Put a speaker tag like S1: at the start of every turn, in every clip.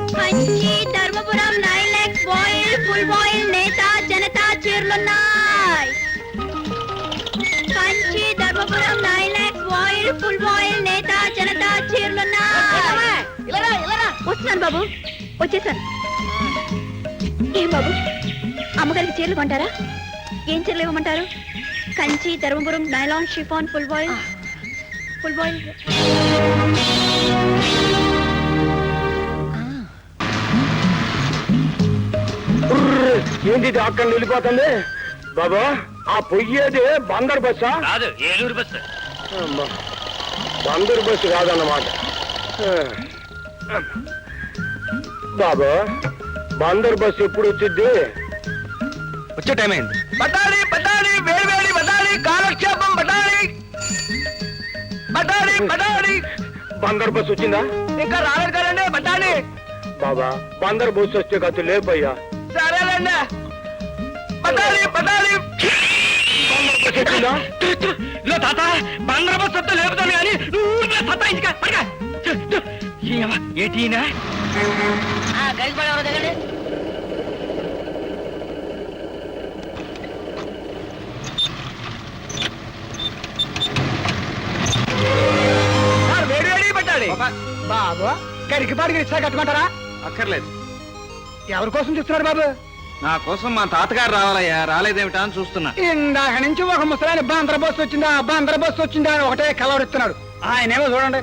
S1: Kanchi Dharmapuram 9 lakhs voile full voile నేత జనతా చీరలున్నాయి. Kanchi Dharmapuram 9 lakhs voile full voile నేత జనతా చీరలున్నాయి. వస్తున్నాను బాబు, వచ్చేసాను. ఏం బాబు, అమ్మగారికి చీరలు కొంటారా? ఏం చీరలు ఇవ్వమంటారు? Kanchi Dharmapuram nylon chiffon full voile full voile.
S2: ఏంటి అక్కడ వెళ్ళిపోతుంది బాబా? ఆ పొయ్యేది బందర్ బస్సా?
S3: కాదు, ఏలూరు బస్సు.
S2: బందర్ బస్సు కాదన్నమాట. బాబా, బందర్ బస్సు ఎప్పుడు వచ్చింది?
S3: వచ్చే టైం అయింది. బటాలి బటాలి వేడి వేడి బటాలి కాలక్షేపం బటాలి బటాలి బటాలి.
S2: బందర్ బస్సు వచ్చిందా?
S3: ఇంకా రాలేదు కదండి బటాలి.
S2: బాబా, బందర్ బస్సు వచ్చే కథ లేపయ్యా.
S3: సరేలేండి బటాలి బటాలి.
S2: వచ్చిందా?
S3: ఇదో తాత, బందర్ బస్సు వస్తే లేపుతాను కానీ నువ్వు సత్తా ఇంటికా పడగా. ఏటీనా కలిసి పడేవారు దగ్గర.
S2: బాబు, కరికి పాడికి రిక్షా కట్టుకుంటారా?
S3: అక్కర్లేదు.
S2: ఎవరి కోసం చూస్తున్నారు బాబు?
S3: నా కోసం మా తాతగారు రావాలయ్యా, రాలేదేమిటా అని చూస్తున్నా.
S2: ఇందాక నుంచి ఒక ముసలాయన బందర్ బస్సు వచ్చిందా బందర్ బస్సు వచ్చిందా అని ఒకటే కలవరిస్తున్నాడు. ఆయనేమో చూడండి,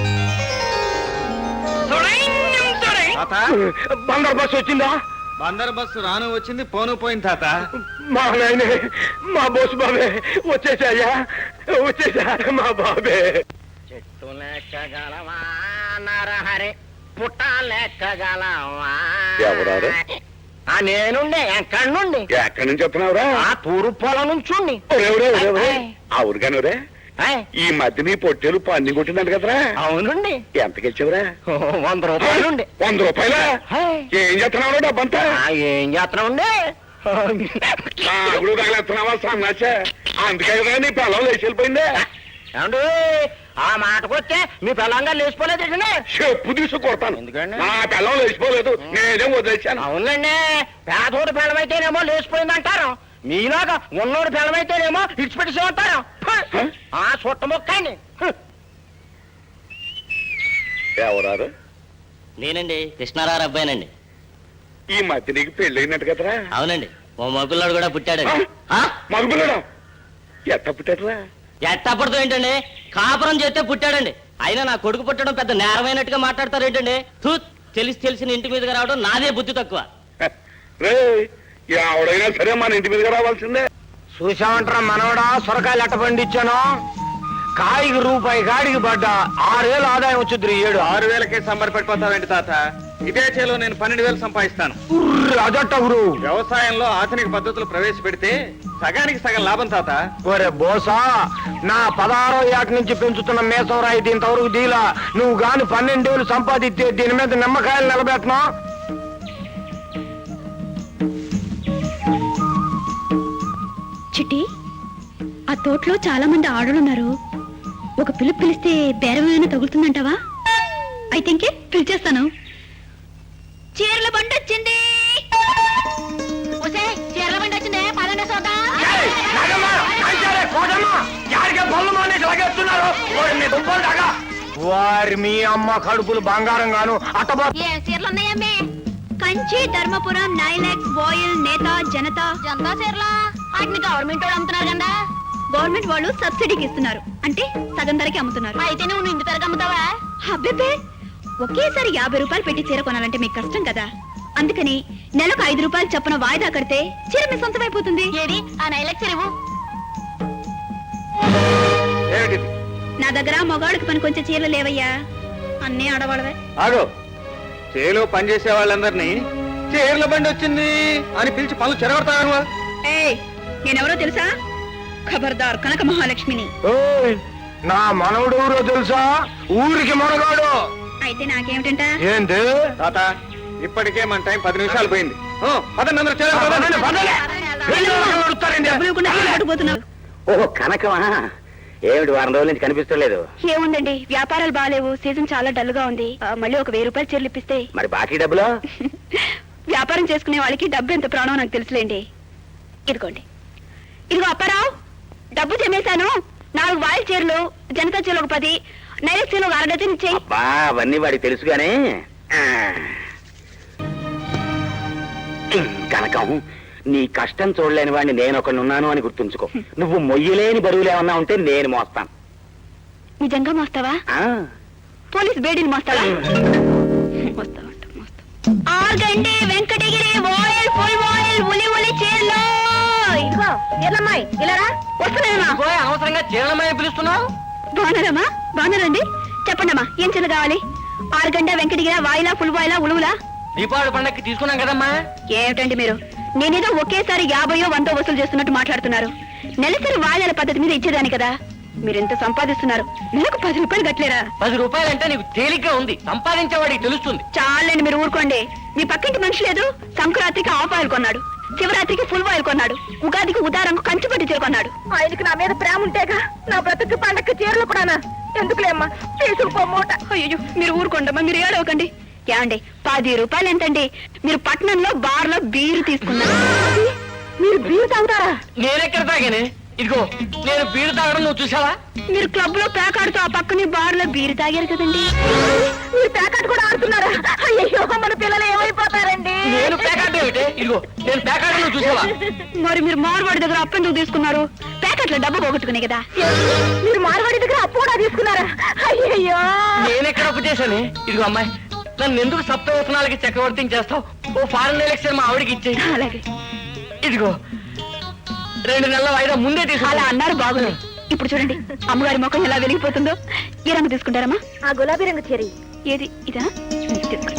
S2: బందర్ బస్సు వచ్చిందా?
S3: బందర్ బస్సు రాను వచ్చింది, పోను పోయింది తాత.
S2: మా నాయనే, మా బోసు బాబే వచ్చేసాయా, వచ్చేసా మా బాబే.
S4: చెట్టు లెక్కగలవా నరహరి, పుట్ట లెక్కగలవా?
S2: ఎవరారు?
S4: నేనుండే. ఎక్కడి నుండి?
S2: ఎక్కడి నుంచి చెప్తున్నావురా?
S4: ఆ తూరు పొలం నుంచి.
S2: అవును కానురే, ఈ మధ్య నీ పొట్టేలు పన్ని కొట్టిందంట కదరా?
S4: అవునండి.
S2: ఎంతకిచ్చావురా?
S4: 100 రూపాయలుండి.
S2: 100 రూపాయలా? ఏం చేస్తున్నావు డబ్బంతా?
S4: ఏం చేస్తున్నాండి?
S2: నాగుడు తగలేస్తున్నావా సన్నాచా? అందుకే కదా నీ పిల్లలు లేచి వెళ్ళిపోయిందే.
S4: ఏమండి, ఆ మాటకొస్తే మీ పిల్లంగా లేచిపోలేదు.
S2: చెప్పు తీసు కొడతాను.
S4: ఎందుకండి?
S2: నా పిల్లలు లేచిపోలేదు, నేనే వదిలేశాను.
S4: అవునండి, పేదోడి పిల్లమైతేనేమో లేచిపోయింది అంటారు, మీలాగా ఉన్నోడి పిల్లమైతేనేమో ఇడిచిపెట్టేసి ఉంటారు. ఆ చుట్ట మొక్కండి.
S2: ఎవరారు?
S5: నేనండి, కృష్ణారావు అబ్బాయినండి.
S2: ఈ మధ్య నీకు పెళ్ళైనట్టు కదరా?
S5: అవునండి, ఓ మగపిల్లాడు కూడా పుట్టాడండి.
S2: మగపిల్లడా? ఎట్ట పుట్టాడురా?
S5: ఎట్టప్పటితో ఏంటండి, కాపురం చేస్తే పుట్టాడండి. అయినా నా కొడుకు పుట్టడం పెద్ద నేరమైనట్టుగా మాట్లాడతారు ఏంటండి? తెలిసిన ఇంటి మీదగా రావడం నాదే బుద్ధి తక్కువ.
S2: రే, ఎవడైనా సరే మన ఇంటి మీదగా రావాల్సిందే.
S4: చూసామంటారా మనవడా, సొరకాయలు ఎట్ట పండించాను? కాయకి రూపాయి కాడికి పడ్డా 6,000 ఆదాయం వచ్చింది.
S3: 6,000కే సంబరపడిపోతావేంటి తాత? ఇదే చేలో నేను 12,000 సంపాదిస్తాను.
S4: అదట్ట గురు,
S3: వ్యవసాయంలో ఆధునిక పద్ధతులు ప్రవేశపెడితే సగానికి సగం లాభం తాత.
S4: ఒరే బోసా, నా 16వ ఏట నుంచి పెంచుతున్న మేసం రాయి దీంతవరకు దీలా. నువ్వు గాని 12,000 సంపాదిస్తే దీని మీద నిమ్మకాయలు నిలబెట్టనా?
S1: చిట్టి, ఆ తోటలో చాలా మంది ఆడలున్నారు. ఒక పిలుపు పిలిస్తే బేరమైనా తగులుతుందంటావా? అయితే ఇంకే పిలిచేస్తాను. చీరల బండి వచ్చింది. చీరల బండి వచ్చిందే, పదండి సోదా.
S4: వారి మీ అమ్మ కడుపులు బంగారం గాను అట్టబా.
S1: ఏ చీరలు ఉన్నాయమ్మే? కంచి ధర్మపురం 9 lakhs బాయిల్ నేత జనతా చీరలా? వాటిని గవర్నమెంట్ వాళ్ళు అమ్ముతున్నారు కదా. గవర్నమెంట్ వాళ్ళు సబ్సిడీకి ఇస్తున్నారు, అంటే సగం ధరకి అమ్ముతున్నారు. అయితే నువ్వు ఇంటి ధరకు అమ్ముతావా? అబ్బే, ఒకేసారి 50 రూపాయలు పెట్టి చీర కొనాలంటే మీకు కష్టం కదా. అందుకని నెలకు 5 రూపాయలు చొప్పున వాయిదా కడితే చీర మీ సొంతమైపోతుంది. ఏది ఆ 9 lakhs చీరవు? నా దగ్గర మగాళ్ళకి పని కొంచెం చీరలు లేవయ్యా, అన్నీ ఆడవాళ్ళవే.
S3: ఆగో, చేలో పనిచేసే వాళ్ళందరినీ చీరల బండి వచ్చింది అని పిలిచి పనులు చెరగొడతాను.
S1: నేనెవరో తెలుసా? ఖబర్దార్ కనక మహాలక్ష్మిని.
S4: నా మనవడు ఊరో తెలుసా? ఊరికి మనగాడు.
S1: అయితే నాకేమిటంట?
S4: ఏంటి
S3: తాత, ఇప్పటికే మన టైం 10 నిమిషాలు పోయింది.
S4: పదండి.
S2: ఓహో కనకమా,
S4: ఏమిటి వారం రోజుల నుంచి కనిపిస్తలేదు?
S1: ఏముందండి, వ్యాపారాలు బాగాలేవు, సీజన్ చాలా డల్ గా ఉంది. మళ్ళీ ఒక 1000 రూపాయలు చీరలు ఇప్పిస్తే.
S4: మరి బాకీ డబ్బులు?
S1: వ్యాపారం చేసుకునే వాళ్ళకి డబ్బు ఎంత ప్రాణం నాకు తెలుసులేండి. ఇదిగోండి. ఇదిగో అప్పారావు, డబ్బు చెమ్మేశాను. 4 వాయిల్ చీరలు, జనతా చీరలు ఒక 10, నైరక్ చీరలు ఒక 1/2 డజన్ ఇచ్చేయి.
S4: అబ్బా అవన్నీ వాడికి తెలుసుగానే. కనకం, నీ కష్టం చూడలేని వాడిని నేను ఒకనున్నాను అని గుర్తుంచుకో. నువ్వు మొయ్యలేని బరువులు ఏమన్నా ఉంటే నేను మోస్తాను.
S1: నిజంగా మోస్తావా?
S4: ఆ,
S1: పోలీస్ బేడీని మోస్తావా? మోస్తావంట, మోస్తా. Organdy Venkatagiri voile full voile ఉలి ఉలి చీరలు. ఇదిగో ఎల్లమ్మాయి, ఇలా రా. వస్తున్నానమ్మా.
S5: అవసరంగా చీరలమై పిలుస్తున్నావు?
S1: బాగున్నారమ్మా? బాగున్నారండి. చెప్పండమ్మా, ఏం చీరలు కావాలి? ఆర్గండ వెంకటగిరి వాయిలా ఫుల్ వాయిలా ఉలువులా?
S5: దీపావళి పండక్కి తీసుకున్నాం కదమ్మా.
S1: ఏమిటండి మీరు, నేనేదో ఒకేసారి 50 100 వసూలు చేస్తున్నట్టు మాట్లాడుతున్నారు. నెలసరి వాయిదాల పద్ధతి మీద ఇచ్చేదాని కదా. మీరెంత సంపాదిస్తున్నారు? నెలకు 10 రూపాయలు గట్లేరా?
S5: 10 రూపాయలంటే నీకు తేలిగ్గా ఉంది, సంపాదించేవాడికి తెలుస్తుంది.
S1: చాలండి, మీరు ఊరుకోండి. మీ పక్కింటి మనిషి లేదు, సంక్రాంతికి హాఫ్ ఆయిల్ కొన్నాడు, శివరాత్రికి ఫుల్ ఆయిల్ కొన్నాడు, ఉగాదికి ఉదారంకు కంచుపట్టి చీర కొన్నాడు. ఆయనకి నా మీద ప్రేమ ఉంటేగా నా బ్రతుకు పండక్కి చీరలు కూడానా? ఎందుకులేమ్మా, తీసుకుపోమూట. అయ్యో మీరు ఊరుకోండమ్మా, మీరు ఏడవకండి. ఏమండి, 10 రూపాయలు ఎంతండి? మీరు పట్నంలో బార్లో బీరు తీసుకున్నారు. మీరు బీరు తాగుతారా?
S5: నేనెక్కడ తాగానే? ఇదిగో నేను బీరు తాగడం నువ్వు చూసావా?
S1: మీరు క్లబ్ లో ప్యాకాడుతూ ఆ పక్కనే బార్ లో బీరు తాగారు కదండి. మీరు ప్యాకాట్ కూడా ఆడుతున్నారా? అయ్యో మన పిల్లలు ఏమైపోతారండి.
S5: నేను ప్యాకాట్ ఏమిటే? ఇదిగో నేను ప్యాకాట్ నువ్వు చూసావా?
S1: మరి మీరు మార్వాడి దగ్గర అప్పు ఎందుకు తీసుకున్నారు? ప్యాకెట్లో డబ్బు పోగొట్టుకునే కదా. మీరు మార్వాడి దగ్గర అప్పు కూడా తీసుకున్నారా? అయ్యో
S5: నేనెక్కడ అప్పు చేశానే? ఇదిగో అమ్మాయి, నన్ను ఎందుకు సప్తవసనాలకి చక్రవర్తిని చేస్తావు? ఓ ఫారెన్ ఎలక్షన్ మా ఆవిడకి ఇచ్చేయి.
S1: అలాగే.
S5: ఇదిగో 2 నెలల వాయిదా ముందే తీసుకో.
S1: అలా అన్నారు, బాగుంది. ఇప్పుడు చూడండి అమ్మగారి ముఖం ఎలా వెలిగిపోతుందో. ఏ రంగు తీసుకుంటారమ్మా? ఆ గులాబీ రంగు చీర. ఏది ఇదా? తీసుకోండి.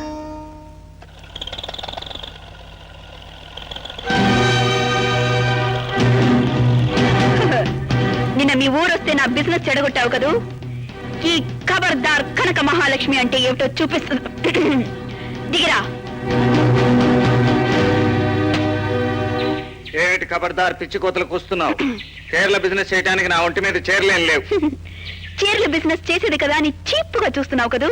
S1: నిన్న మీ ఊరొస్తే నా బిజినెస్ చెడగొట్టావు కదూ. ఈ ఖబర్దార్ కనక మహాలక్ష్మి అంటే ఏమిటో చూపిస్తుంది. దిగిరా.
S3: ఏమిటి ఖబర్దార్ పిచ్చి కోతలకు వస్తున్నావు? చీరల బిజినెస్ చేయడానికి నా ఒంటి మీద చీరలేం లేవు.
S1: చీరల బిజినెస్ చేసేది కదా అని చీప్గా చూస్తున్నావు కదూ.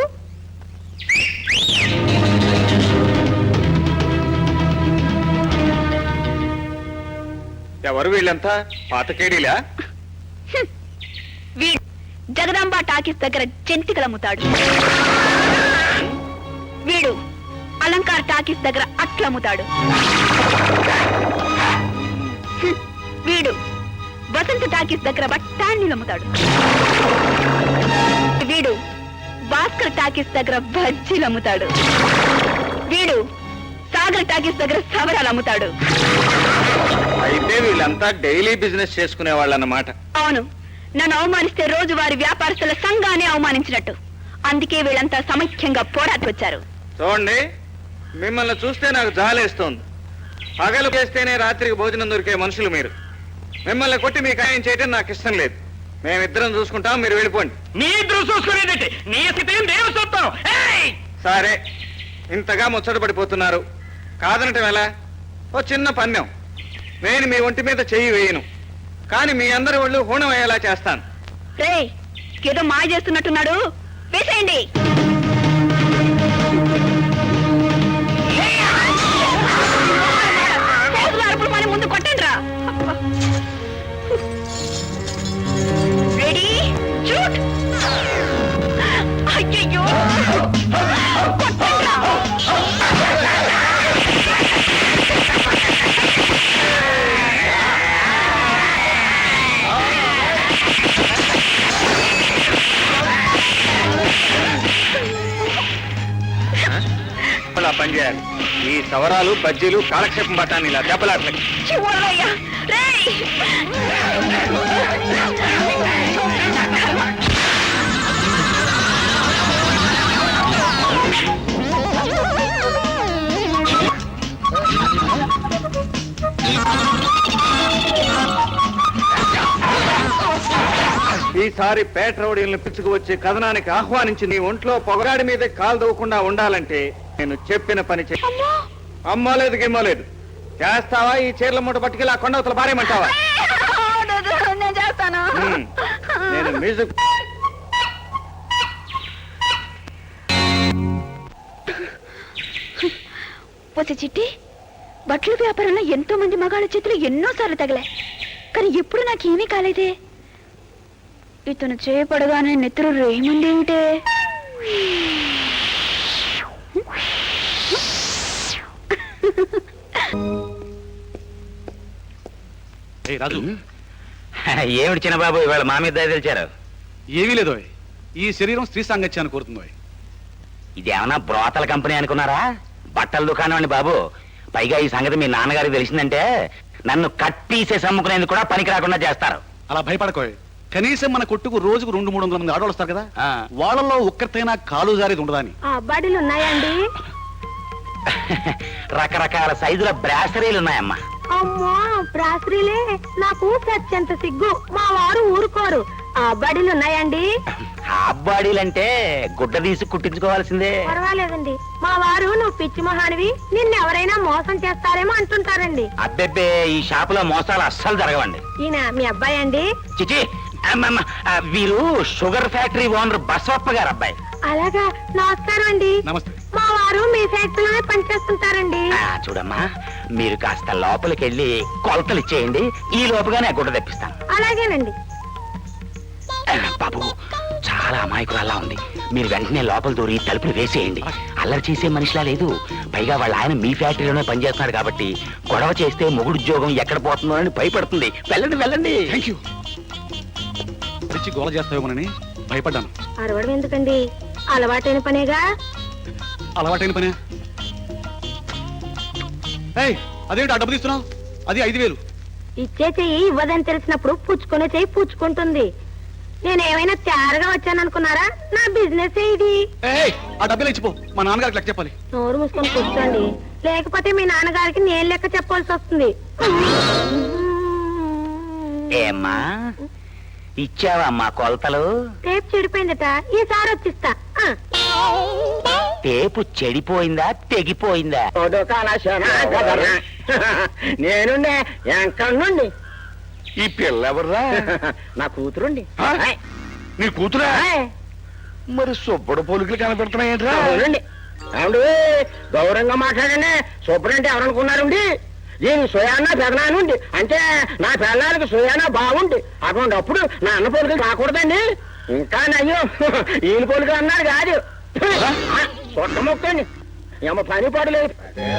S3: ఎవరు వీళ్ళంతా? పాతకేడీలా?
S1: వీడు జగదాంబ టాకీస్ దగ్గర జంతికలు అమ్ముతాడు. వీడు అలంకార్ టాకీస్ దగ్గర అట్లు అమ్ముతాడు. వీడు వసంత టాకీస్ దగ్గర బఠానీలు అమ్ముతాడు. వీడు భాస్కర్ టాకీస్ దగ్గర బజ్జీలు అమ్ముతాడు. వీడు సాగర్ టాకీస్ దగ్గర సవరాలు అమ్ముతాడు.
S3: అయితే వీళ్ళంతా డైలీ బిజినెస్ చేసుకునే వాళ్ళన్నమాట.
S1: అవును, నన్ను అవమానిస్తే రోజు వారి వ్యాపారస్తుల సంఘాన్ని అవమానించినట్టు. అందుకే వీళ్ళంతా సమైక్యంగా పోరాటొచ్చారు.
S3: చూడండి, మిమ్మల్ని చూస్తే నాకు జాలేస్తోంది. పగలు చేస్తేనే రాత్రికి భోజనం దొరికే మనుషులు మీరు. మిమ్మల్ని కొట్టి మీకు ఆయన చేయడం నాకు ఇష్టం లేదు. మేమిద్దరం చూసుకుంటాం, మీరు వెళ్ళిపోండి.
S5: మీ ఇద్దరు చూసుకునేదంటే నీ స్థితి నేను చూస్తాను.
S3: సరే, ఇంతగా ముచ్చట పడిపోతున్నారు, కాదనటం ఎలా? ఓ చిన్న పన్యం. నేను మీ ఒంటి మీద చెయ్యి వేయను, కానీ మీ అందరి ఒళ్ళు హూణం అయ్యేలా చేస్తాను.
S1: రే, ఏదో మాయ చేస్తున్నట్టున్నాడు, వేసేయండి. అరుపులు మన ముందు కొట్టండి రా. Ready, shoot. అయ్యయ్యో, కొట్టండి రా.
S3: అలా పనిచేయాలి. ఈ సవరాలు బజ్జీలు కాలక్షేపం పట్టాను ఇలా దెబ్బలాట్లకి.
S1: చివరయ్యా, రేయ్.
S3: ఈసారి పేట రౌడీలను పిచ్చుకు వచ్చే కథనానికి ఆహ్వానించి నీ ఒంట్లో పొగరాడి మీద కాలు దవ్వకుండా ఉండాలంటే నేను చెప్పిన పని చెయ్యి. అమ్మలేదు గిమ్మలేదు. చేస్తావా? ఈ చీరల మూట పట్టుకెళ్ళి ఆ కొండవతల భార్యమంటావా?
S1: నేను చేస్తా. వస్తాను
S3: నేను మ్యూజిక్
S1: పోతే చిట్టి బట్టల వ్యాపారంలో ఎంతో మంది మగాళ్ళ చేతులు ఎన్నోసార్లు తగిలే కానీ ఎప్పుడు నాకేమీ కాలేదే ఇతను చేయపడగానే నెత్తురు రేయమందేమిటే
S6: రాజు
S4: ఏమిటి చిన్నబాబు ఇవాళ మా మీద దయ తెలిచారు?
S6: ఏమీ లేదు ఈ శరీరం స్త్రీ సాంగత్యాన్ని కోరుతుంది
S4: ఇదేమన్నా బ్రోతల కంపెనీ అనుకున్నారా? బట్టల దుకాణం అండి బాబు. పైగా ఈ సంగతి మీ నాన్నగారికి తెలిసిందంటే నన్ను కట్టీసే సమ్ముకునేందుకు కూడా పనికి రాకుండా చేస్తారు.
S6: అలా భయపడకోయ్. కనీసం మన కొట్టుకు రోజుకు 200-300 మంది ఆడవాళ్ళు వస్తారు కదా,
S4: ఆ.
S6: వాళ్ళలో ఒక్కరితైనా కాలు జారేది ఉండదా అని.
S1: బడిలు ఉన్నాయండి
S4: రకరకాల సైజుల బ్రాసరీలు ఉన్నాయమ్మా.
S1: అమ్మా ప్రాసరీలే నాకు సత్యంత సిగ్గు మా వారు ఊరుకోరు బడిలు ఉన్నాయండి
S4: హాఫ్ బాడీలంటే గుడ్డ తీసి కుట్టించుకోవాల్సిందే.
S1: పర్వాలేదండి మా వారు నువ్వు పిచ్చి మహానివి నిన్నెవరైనా మోసం చేస్తారేమో అంటుంటారండి
S4: అబ్బెబ్బే ఈ షాపులో మోసాలు అస్సలు జరగవండి.
S1: ఈయన మీ అబ్బాయి అండి
S4: చిచి అమ్మమ్మ, వీరు షుగర్ ఫ్యాక్టరీ ఓనర్ బసవప్ప గారు అబ్బాయి.
S1: అలాగా నమస్కారం అండి
S6: నమస్తే.
S1: మా వారు మీ ఫ్యాక్టరీలోనే పనిచేస్తుంటారండి
S4: చూడమ్మా, మీరు కాస్త లోపలికి వెళ్ళి కొలతలు ఇచ్చేయండి, ఈ లోపుగానే గుడ్డ తెప్పిస్తాను.
S1: అలాగేనండి
S4: బాబు చాలా అమాయకురాల్లా ఉంది, మీరు వెంటనే లోపల దూరి తలుపులు వేసేయండి. అల్లరి చేసే మనిషిలా లేదు. పైగా వాళ్ళ ఆయన మీ ఫ్యాక్టరీలోనే పనిచేస్తున్నాడు కాబట్టి గొడవ చేస్తే మొగుడు ఉద్యోగం ఎక్కడ పోతుందో అని భయపడుతుంది. వెళ్ళండి వెళ్ళండి.
S6: Thank you. తెచ్చి గోల చేస్తావేమోనని భయపడ్డాను.
S1: అరవడం ఎందుకండి అలవాటైన పనేగా
S6: అలవాటైన పనే. ఏయ్, అదేంటి ఆ డబ్బు తీస్తున్నావు? అది 5,000.
S1: ఇచ్చే చెయ్యి ఇవ్వదని తెలిసినప్పుడు పుచ్చుకునే చెయ్యి పుచ్చుకుంటుంది నేనేమైనా తేరగా వచ్చాననుకున్నారా నా బిజినెస్ ఇది
S6: ఏయ్, ఆ డబ్బులు ఇచ్చిపో, మా నాన్నగారికి లెక్క చెప్పాలి.
S1: నోరు మూసుకొని కూర్చోండి లేకపోతే మీ నాన్నగారికి నేను లెక్క చెప్పాల్సి వస్తుంది
S4: ఏమ్మా ఇచ్చావమ్మా కొలతలు?
S1: టేప్ చెడిపోయిందట ఈసారి వచ్చిస్తా
S4: టేపు చెడిపోయిందా తెగిపోయిందా?
S2: నేను ఎంకండి ఈ పిల్ల ఎవర్రా?
S4: నా కూతురుండి.
S2: నీ కూతురా? మరి సుబ్బడు పోలికలు కనపెడుతున్నాయేంట్రా?
S4: గౌరవంగా మాట్లాడండి. సూపరంటే ఎవరనుకున్నారండి? దీని సోయానా పెదనానుండి అంటే నా పెళ్ళానికి సోయానా బాగుంది. అటువంటిప్పుడు నా అన్న పోలికలు రాకూడదండి. ఇంకా నయ్యో ఈయన పోలికలు అన్నారు కాదు. సొట్ట మొక్కండి ఏమో పని పడలేదు.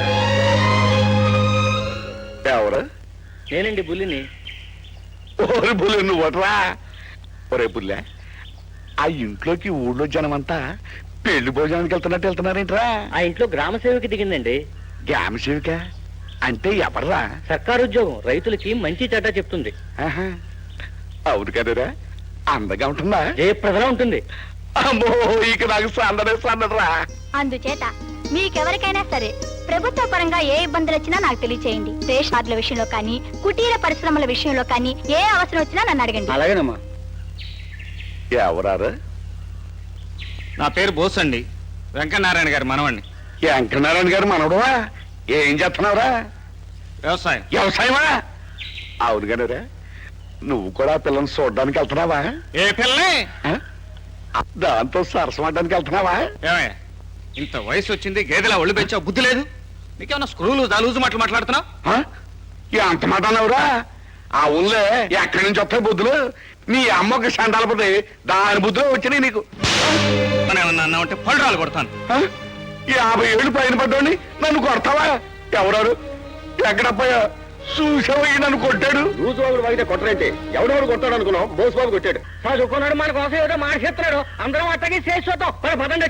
S2: ఎవరు?
S5: నేనండి బుల్లిని.
S2: ఓరి బుల్లె నువ్వట్రా? ఒరే బుల్లె, ఆ ఇంట్లోకి ఊళ్ళో జనమంతా పెళ్లి భోజనానికి వెళ్తున్నారేంట్రా?
S5: ఆ ఇంట్లో గ్రామ సేవకి దిగిందండి.
S2: గ్రామ సేవిక అంటే ఎవర్రా?
S5: సర్కారు ఉద్యోగం, రైతులకి మంచి చెడ్డ చెప్తుంది.
S2: ఆహా, అవును కదరా, అందగా ఉంటుందా?
S5: జయప్రదలా ఉంటుంది.
S2: అమ్మో ఇక నాకు సందడరా.
S1: అందుచేత మీకెవరికైనా సరే ప్రభుత్వ పరంగా ఏ ఇబ్బందులు వచ్చినా నాకు తెలియచేయండి. రేషన్ కార్డుల విషయంలో కానీ కుటీర పరిశ్రమల విషయంలో కానీ ఏ అవసరం వచ్చినా నన్ను అడగండి.
S5: అలాగేనమ్మా.
S2: ఎవరారు?
S3: నా పేరు బోస్ అండి, వెంకటనారాయణ గారి మనవండి.
S2: వెంకటనారాయణ గారు మనవడవా? ఏం చేస్తున్నావురా?
S3: వ్యవసాయం.
S2: వ్యవసాయమా? అవును కదరా, నువ్వు కూడా ఆ పిల్లని చూడడానికి వెళ్తున్నావా?
S3: ఏ పిల్లే?
S2: ఆ? దాంతో సరసమడ్డానికి వెళ్తున్నావా?
S3: ఏమయ్య, ఇంత వయసు వచ్చింది, గేదెలా ఒళ్ళు పెంచావు, బుద్ధి లేదు నీకేమన్నా? స్క్రూలు దాలూజు మాట్లాడుతున్నావు?
S2: ఆ? ఎంత మాట అన్నావురా? ఆ ఊళ్ళో ఎక్కడి నుంచి వస్తాయి బుద్ధులు? నీ అమ్మకి సండాలపోతే దాని బుద్ధులు వచ్చినాయి నీకు.
S3: మనం ఏమన్నా అన్నామంటే పళ్ళు కొడతాను.
S2: ఆ? 50 ఏళ్ళు పైన పడ్డాని నన్ను కొడతావా? ఎవరారు? ఎక్కడపోయా? చూసావయ్యి నన్ను కొట్టాడు.
S4: రోజు వాడితే కొట్టరంటే ఎవడెవడు కొట్టాడు అనుకున్నావు? బోస్ బాబు కొట్టాడు. చదువుకున్నాడు, మన కోసం ఏదో మాట చెప్తున్నాడు. అందరం అట్టకి చేసి చూద్దాం. పదండి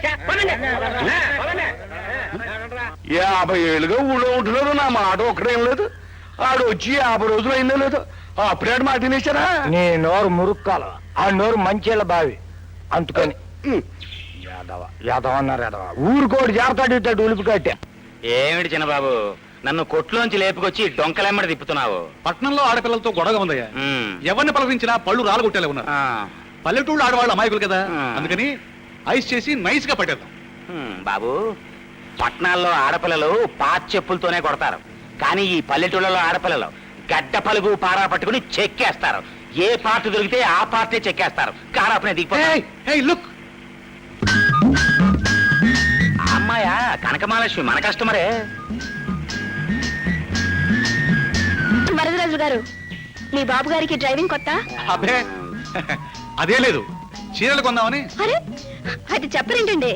S2: 50 ఏళ్ళుగా ఊళ్ళో ఉంటున్నారు, నా మాట ఒక్కడేం లేదు. ఆడు వచ్చి 50 రోజులు అయిందో లేదు, అప్పుడే మాట తినేశారా?
S4: నీ నోరు మురుక్కాల, ఆ నోరు మంచిళ్ళ బావి అందుకని యాదవ అన్నారు. యాదవ ఊరుకోడు జాగ్రత్త ఇట్టాడు ఉలిపి కట్టా. ఏమిటి చిన్నబాబు, నన్ను కొట్లోంచి లేపుకొచ్చి డొంకలెమ్మడి తిప్పుతున్నావు?
S6: పట్నంలో ఆడపిల్లలతో గొడవ ఉందయ్యా. ఎవరిని పలకరించినా పళ్ళు రాలగొట్టేలా ఉన్నారు. పల్లెటూళ్ళు ఆడవాళ్ళు అమాయకులు కదా, అందుకని ఐస్ చేసి నైస్ గా పట్టేద్దాం.
S4: బాబు, పట్నాల్లో ఆడపిల్లలు పాత చెప్పులతోనే కొడతారు, కానీ ఈ పల్లెటూళ్ళలో ఆడపిల్లలు గడ్డ పలుగు పారా పట్టుకుని చెక్కేస్తారు.
S7: ఏ పార్ట్ దొరికితే ఆ పార్టీ చెక్కేస్తారు కారు అప్పుడే దిగిపోయి
S6: లుక్
S7: అమ్మాయా కనకమహాలక్ష్మి మన కస్టమరే.
S1: వరదరాజు గారు, మీ బాబు గారికి డ్రైవింగ్ కొత్త?
S6: అబ్బే అదే లేదు, చీరలు కొందామని.
S1: అరే అది చెప్పరేంటండి?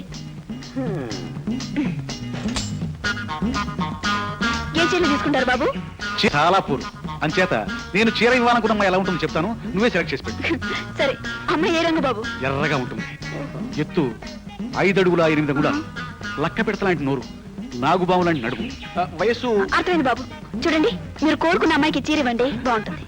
S1: ఏ చీరలు తీసుకుంటారు బాబు?
S6: చాలా పూర్ అంచేత నేను చీర ఇవ్వాలనుకున్న అమ్మాయి ఎలా ఉంటుందో చెప్తాను, నువ్వే సెలెక్ట్ చేసి పెట్టు.
S1: సరే, అమ్మాయి ఏ రంగు బాబు?
S6: ఎర్రగా ఉంటుంది, ఎత్తు 5 అడుగుల 8 అంగుళాలు, లక్క పెడతలాంటి నోరు, నాగుబాము లాంటి నడుము, వయస్సు.
S1: అర్థమైంది బాబు. చూడండి, మీరు కోరుకున్న అమ్మాయికి చీర ఇవ్వండి, బాగుంటుంది.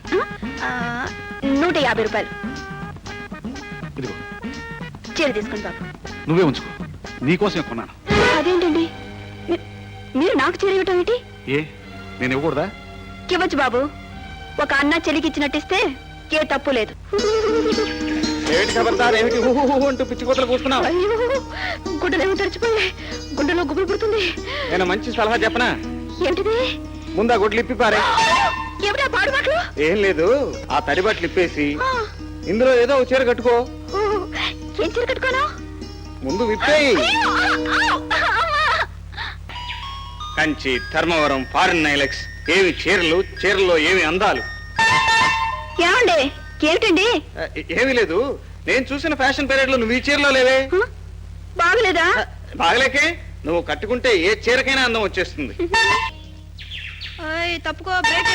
S1: 150 రూపాయలు.
S6: ఇదిగో
S1: చీర తీసుకోండి బాబు.
S6: నువ్వే ఉంచుకో, నీకోసమే కొన్నాను.
S1: అదేంటండి, మీరు నాకు చీర ఇవ్వటం ఏంటి?
S6: ఏ నేను ఇవ్వకూడదా?
S1: ఇవ్వచ్చు బాబు. ఒక అన్న చెలికి ఇచ్చినట్టిస్తే ఏ తప్పు లేదు.
S3: ఏమిటి ఖబర్దార్, ఏమిటి హూ హూ హూ అంటూ పిచ్చి కూతలు కూస్తున్నావు?
S1: అయ్యో, గుడ్డలేమో తెరిచిపోయాయి, గుండెలో గుబులు పుడుతుంది.
S3: నేను మంచి సలహా చెప్పనా?
S1: ఏమిటిది?
S3: ముందా గుడ్లు ఇప్పి పారే.
S1: ఏమిటా పాడు మాటలు?
S3: ఏం లేదు, ఆ తడి బట్టలు ఇప్పేసి ఇందులో ఏదో ఒక చీర కట్టుకో.
S1: ఓ, ఏం చీర కట్టుకోను?
S3: ముందు విప్పేయి.
S1: అయ్యో, అమ్మా.
S3: కంచి, ధర్మవరం, ఫారిన్ నైలెక్స్, ఏవి చీరలు, చీరల్లో ఏమి అందాలు.
S1: ఏమండి, ఏమిటండి?
S3: ఏమీ లేదు, నేను చూసిన ఫ్యాషన్ పీరియడ్ లో నువ్వు ఈ చీరలో లేవే.
S1: బాగలేదా?
S3: బాగలేకే, నువ్వు కట్టుకుంటే ఏ చీరకైనా అందం వచ్చేస్తుంది.
S1: తప్పుకో,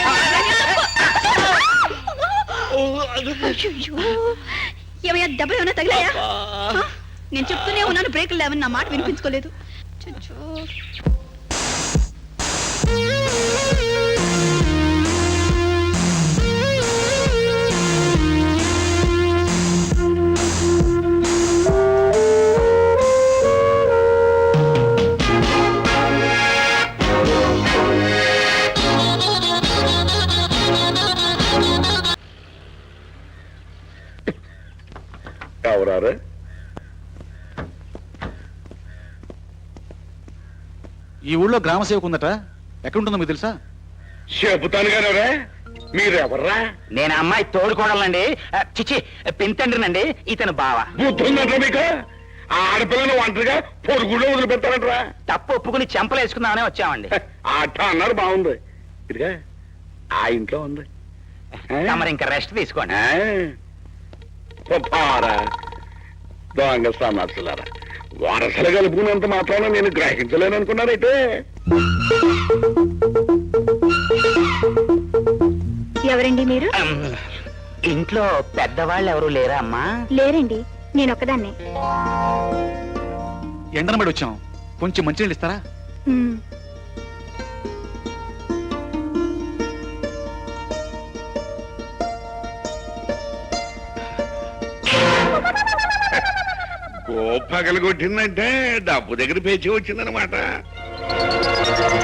S1: ఏమయ్యా, దెబ్బలు ఏమైనా తగిలాయా? నేను చెప్తూనే ఉన్నాను బ్రేకులు లేవని, నా మాట వినిపించుకోలేదు. చుచ్చూ.
S2: ఎవరారు?
S6: ఈ ఊళ్ళో గ్రామ సేవకు ఉందట, ఎక్కడుంటుందో మీకు తెలుసా?
S2: చెబుతాను కానీ మీరెవర్రా?
S7: నేను అమ్మాయి తోడుకోవాలండి, చిచి పింతండ్రినండి, ఇతను బావ.
S2: బుద్ధుందంటే మీకు? ఆ ఆడపిల్లను ఒంటరిగా పొరుగులో వదిలిపెడతారంటరా?
S7: తప్పు ఒప్పుకుని చెంపలు వేసుకుందామనే వచ్చామండి.
S2: ఆట అన్నారు, బాగుంది. ఇదిగా ఆ ఇంట్లో ఉంది.
S7: తమరు ఇంకా రెస్ట్ తీసుకోండి.
S2: పారా దొంగ సమాసులారా, వరసలు కలుపుకున్నంత మాత్రాన నేను గ్రహించలేను అనుకున్నారైతే.
S1: ఎవరండి మీరు?
S7: ఇంట్లో పెద్దవాళ్ళు ఎవరు లేరా అమ్మా?
S1: లేరండి, నేను ఒక్కదాన్నే.
S6: ఎండనబడి వచ్చాం, కొంచెం మంచినీళ్ళు ఇస్తారా?
S2: గోపగలు కొట్టిందంటే డబ్బు దగ్గర పేచి వచ్చిందనమాట.